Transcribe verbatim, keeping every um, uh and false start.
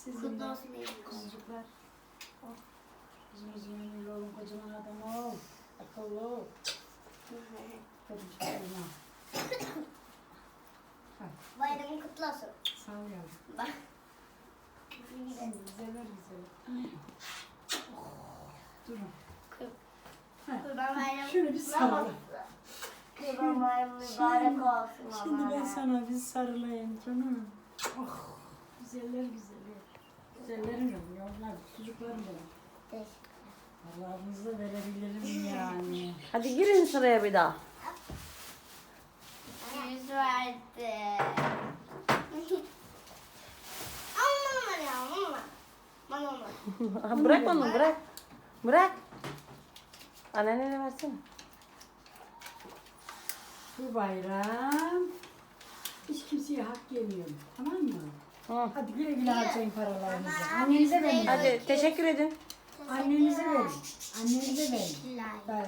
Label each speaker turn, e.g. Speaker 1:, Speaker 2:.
Speaker 1: Sizin
Speaker 2: Kutlu
Speaker 1: de
Speaker 2: olsun diye.
Speaker 1: kuzucuklar. Oh. Uzun uzun ömürlü olun, kocaman adam ol. Akıllı ol. Çocuklarına.
Speaker 2: Bayramın kutlu olsun.
Speaker 1: Sağ ol yavrum.
Speaker 2: Bak.
Speaker 1: Güzeller güzeller. Oh. Durun.
Speaker 2: Kurban bayramı.
Speaker 1: Şöyle bir sarıl.
Speaker 2: Kurban bayramı mübarek olsun.
Speaker 1: Şimdi ben
Speaker 2: Allah'a.
Speaker 1: sana bir sarılayım canım. Oh. Güzeller güzeller. Güzellerim benim yavrular, çocuklarım benim. Allah'ınızı verebilirim yani.
Speaker 3: Hadi girin sıraya bir daha.
Speaker 2: Yüz verdi. Aman ya aman. Aman aman.
Speaker 3: Bırak onu bırak. Bırak. Annene versene.
Speaker 1: Bu bayram hiç kimseye hak yemiyorum. Tamam mı?
Speaker 3: Hı.
Speaker 1: Hadi güle güle harcayın paralarınızı. Annenize verin.
Speaker 3: Hadi teşekkür edin.
Speaker 1: Annenize